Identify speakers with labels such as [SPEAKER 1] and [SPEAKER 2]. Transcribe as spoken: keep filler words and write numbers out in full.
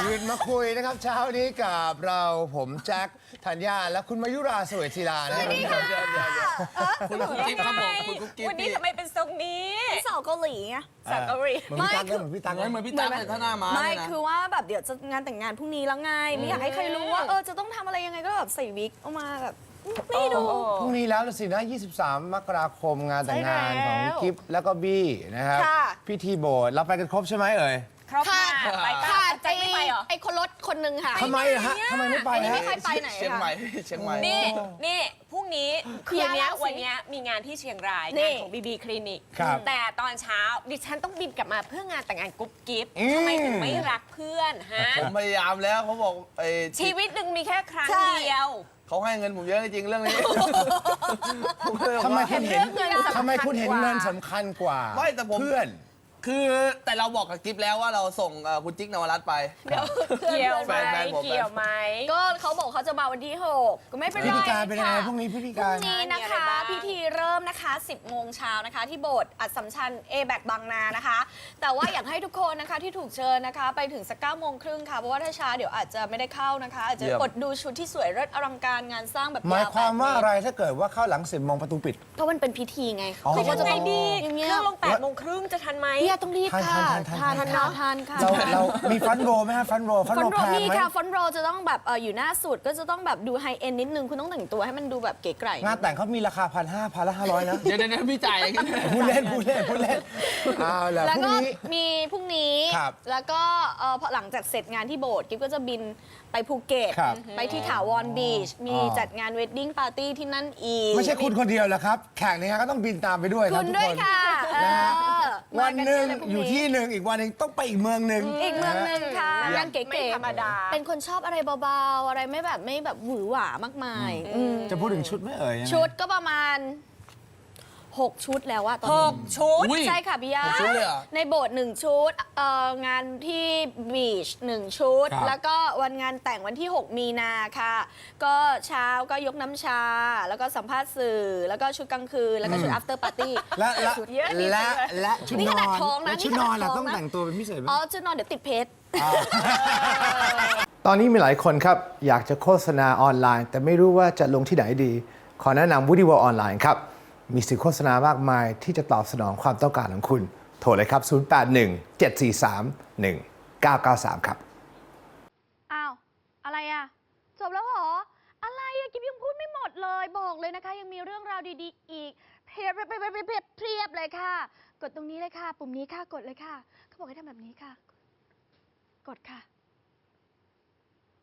[SPEAKER 1] ตื่นมาคุยนะครับเช้านี้กับเราผมแจ็คธัญญาและคุณมายุราสวยศิลานะครับ
[SPEAKER 2] คุณกุ๊กกิ๊บครับผมคุณกุ๊กกิ๊บ
[SPEAKER 3] วันนี้ทำไมเป็นทรงนี้
[SPEAKER 4] สาวเกาหลีไง
[SPEAKER 3] สาวเกาหลี
[SPEAKER 1] เหมือนพี่ตั๊กเหมือนพี่ตั๊ก
[SPEAKER 2] เหมือนพี่ตั๊กเลยถ้าหน้าม้า
[SPEAKER 4] ไม่
[SPEAKER 2] เนี่ยนะ
[SPEAKER 4] คือว่าแบบเดี๋ยวจะงานแต่งงานพรุ่งนี้แล้วไงไม่อยากให้ใครรู้ว่าเออจะต้องทำอะไรยังไงก็แบบใส่วิกออกมาแบบไม่ดู
[SPEAKER 1] พรุ่งนี้แล้วสินะยี่สิบสามมกราคมงานแต่งงาน
[SPEAKER 4] ใช่แล้ว
[SPEAKER 1] ของกิฟแล้วก็บี้นะครับ
[SPEAKER 4] ค่ะ
[SPEAKER 1] พิธีโบสถ์เราไปกันครบใช่ไหมเอ่ย
[SPEAKER 3] ครบค่ะไปปะ
[SPEAKER 4] ค่ะ
[SPEAKER 3] ใจไม่ไปเหรอ
[SPEAKER 4] ไอ้คนรถคนนึงค่ะ
[SPEAKER 1] ทำไมอะฮะทำไมไม่ไป
[SPEAKER 4] ไม่
[SPEAKER 1] ฮะ
[SPEAKER 4] ใครไปไหน
[SPEAKER 2] เชียงใหม่
[SPEAKER 4] คะ
[SPEAKER 2] เชียงใหม่
[SPEAKER 3] นี่นี่พรุ่งนี้คืนนี้
[SPEAKER 4] เล่าสิ
[SPEAKER 3] วันนี้มีงานที่เชียงราย
[SPEAKER 4] นี่
[SPEAKER 3] งานของบีบีคลินิก
[SPEAKER 1] ครับ
[SPEAKER 3] แต่ตอนเช้าดิฉันต้องบินกลับมาเพื่องานแต่งงานกุ๊บกิ๊บ
[SPEAKER 1] อืม
[SPEAKER 3] ทำไมถึงไม่รักเพื่อนฮะ
[SPEAKER 2] ผมพยายามแล้วเขาบอกไอ้
[SPEAKER 3] ชีวิตหนึ่งมีแค่ครั้ง
[SPEAKER 4] ใช่
[SPEAKER 3] เดียว
[SPEAKER 2] เขาให้เงินผมเยอะจริงๆเรื่องนี้
[SPEAKER 1] ทำไมคุณเห็น
[SPEAKER 3] เงินสำคัญ
[SPEAKER 1] ทำไมคุณเห็น
[SPEAKER 3] กว่า
[SPEAKER 1] เงินสำคัญกว่า
[SPEAKER 2] ไม่แต่ผม
[SPEAKER 1] เพื่อน
[SPEAKER 2] คือแต่เราบอกกับกิ๊บแล้วว่าเราส่งเอ่อคุณจิ๊กนวรัตน์ไป
[SPEAKER 4] เดี๋ยว
[SPEAKER 3] เกี่ยวไห
[SPEAKER 2] แฟ
[SPEAKER 3] ม
[SPEAKER 2] นแฟนผม
[SPEAKER 3] เกี่ยวไหม
[SPEAKER 4] ก็เขาบอกเขาจะมาวันที่หกก็ไม่เป็นไร
[SPEAKER 1] พิธีการเป็นยังไง
[SPEAKER 4] ค่ะ
[SPEAKER 1] พรุ่งนี้พิธี
[SPEAKER 4] พ
[SPEAKER 1] การ
[SPEAKER 4] รุ่งนี้นะ
[SPEAKER 3] มีอะไร
[SPEAKER 4] คะ
[SPEAKER 3] บ้าง
[SPEAKER 4] พิธีเริ่มนะคะสิบโมงเช้านะคะ ที่โบสถ์อัสสัมชัญเอแบกบางนานะคะ แต่ว่าอยากให้ทุกคนนะคะที่ถูกเชิญนะคะ ไปถึงสักเก้าโมงครึ่งค่ะเพราะว่าถ้าช้าเดี๋ยวอาจจะไม่ได้เข้านะคะ อาจจะ
[SPEAKER 2] เยี่ยม
[SPEAKER 4] อดดูชุดที่สวยเลิศอลังการงานสร้างแบบ
[SPEAKER 1] หมายความว่า
[SPEAKER 4] แปดเต
[SPEAKER 1] อะไรถ้าเกิดว่าเข้าหลังสิบโมงประตูปิด
[SPEAKER 4] เพราะมันเป็นพิธีไง
[SPEAKER 1] อ๋อ
[SPEAKER 4] เขา
[SPEAKER 3] จะ
[SPEAKER 4] ก็จะ
[SPEAKER 3] ไง
[SPEAKER 4] ต้อง
[SPEAKER 3] ดี
[SPEAKER 4] อย่าง
[SPEAKER 3] เค
[SPEAKER 4] เงี้ย
[SPEAKER 3] รื่องลงแปดโมงครึ่งจะทันไหม
[SPEAKER 4] พี่ต้องรีบค่ะ
[SPEAKER 1] ทันทันทันทัน
[SPEAKER 4] ค่ะทานค่ะ
[SPEAKER 1] เราเรามีฟันโรไหมฮะฟันโรฟัน
[SPEAKER 4] ฟอ
[SPEAKER 1] โร
[SPEAKER 4] นโร
[SPEAKER 1] แพง
[SPEAKER 4] มี
[SPEAKER 1] ไหม
[SPEAKER 4] ค่ะฟอนโรจะต้องแบบเอออยู่หน้าสุดก็จะต้องแบบดูไฮเอ็นนิดนึงคุณต้องแต่งตัวให้มันดูแบบเก๋ไก๋
[SPEAKER 1] งานแต่งเขามีราคาพันห้าพันละห้าร้อยนะ
[SPEAKER 2] เดี๋ยวเดี๋ยวพี่จ่าย
[SPEAKER 1] พูดเล่นพูดเล่นพูดเล่นเอาล่ะ
[SPEAKER 4] แล้ว
[SPEAKER 1] พรุ่ง
[SPEAKER 4] ก็
[SPEAKER 1] นี้
[SPEAKER 4] มีพรุ่งนี้
[SPEAKER 1] ครับ
[SPEAKER 4] แล้วก็เอ่อพอหลังจากเสร็จงานที่โบสถ์กิ๊บก็จะบินไปภูเก็ต
[SPEAKER 1] ครับ
[SPEAKER 4] ไปที่ถาวรบีช มี
[SPEAKER 1] อ๋อ
[SPEAKER 4] จัดงานเวดดิ้งปาร์ตี้ที่นั่นอีก
[SPEAKER 1] ไม่ใช่คุณคนเดียวแหละครับ แขกในงานก็ต้องบินตามไปด้วยค
[SPEAKER 4] คุ
[SPEAKER 1] รับ
[SPEAKER 4] ณ
[SPEAKER 1] ทุก
[SPEAKER 4] ด้วย
[SPEAKER 1] คน
[SPEAKER 4] ค่ะเอ
[SPEAKER 1] นะฮะ
[SPEAKER 4] อ
[SPEAKER 1] วันหนึ่ง
[SPEAKER 4] มากัเะเลพรุ่
[SPEAKER 1] อยู่ที่หนึ่งอีกวันหนึ่งต้องไปอีกเมืองหนึ่ง
[SPEAKER 4] อีกเมืองหนึ่งค่ะ
[SPEAKER 1] เยี่ยม
[SPEAKER 4] งานเก๋
[SPEAKER 3] ไม่
[SPEAKER 4] ๆ
[SPEAKER 3] ธรรมดา
[SPEAKER 4] เป็นคนชอบอะไรเบาๆ อะไรไม่แบบไม่แบบหวือหวามากมายอืม
[SPEAKER 1] จะพูดถึงชุดไหม่เอ่ยยังไง
[SPEAKER 4] ชุดก็ประมาณหกชุดแล้วอะตอน
[SPEAKER 3] ห
[SPEAKER 4] นี้
[SPEAKER 3] กชุด
[SPEAKER 2] อุ๊ย
[SPEAKER 4] ใช่ค่ะพี่ยา
[SPEAKER 2] หกชุดเลยเหรอ
[SPEAKER 4] ในโบสถ์หนึ่งชุดเอ่องานที่บีชหนึ่งชุด
[SPEAKER 1] ครับ
[SPEAKER 4] แล้วก็วันงานแต่งวันที่ หก มีนาค่ะ ก็เช้าก็ยกน้ำชา แล้วก็สัมภาษณ์สื่อ แล้วก็ชุดกลางคืน แล้วก็ชุด after party
[SPEAKER 1] และและ
[SPEAKER 4] ชุดเยอะนี่
[SPEAKER 1] และ
[SPEAKER 4] เลย
[SPEAKER 1] และชุด
[SPEAKER 4] นี่
[SPEAKER 1] น
[SPEAKER 4] ข
[SPEAKER 1] อ
[SPEAKER 4] นาด
[SPEAKER 1] น
[SPEAKER 4] ท้องนะ
[SPEAKER 1] และชุด
[SPEAKER 4] นี่
[SPEAKER 1] น
[SPEAKER 4] ข
[SPEAKER 1] อ
[SPEAKER 4] นาด
[SPEAKER 1] นล่ะ
[SPEAKER 4] ท้อง
[SPEAKER 1] ต้อง
[SPEAKER 4] นะ
[SPEAKER 1] แต่งตัวเป็นพิเศษไหม
[SPEAKER 4] อ๋อชุดนอนเดี๋ยวติดเพชร
[SPEAKER 1] ตอนนี้มีหลายคนครับอยากจะโฆษณาออนไลน์ แต่ไม่รู้ว่าจะลงที่ไหนดี ขอแนะนำ Woody World ออนไลน์ครับ มีสื่อโฆษณามากมายที่จะตอบสนองความต้องการของคุณ โทรเลยครับ ศูนย์ แปด หนึ่ง เจ็ด สี่ สาม หนึ่ง เก้า เก้า สาม ครับ
[SPEAKER 5] อ้าว อะไรอะจบแล้วเหรอ อะไรอะกิ๊บยังพูดไม่หมดเลย บอกเลยนะคะ ยังมีเรื่องราวดีๆ อีกเพียบเพียบเพียบเพียบเพียบเพียบเลยค่ะ กดตรงนี้เลยค่ะ ปุ่มนี้ค่ะ กดเลยค่ะ เขาบอกให้ทำแบบนี้ค่ะ กดค่ะ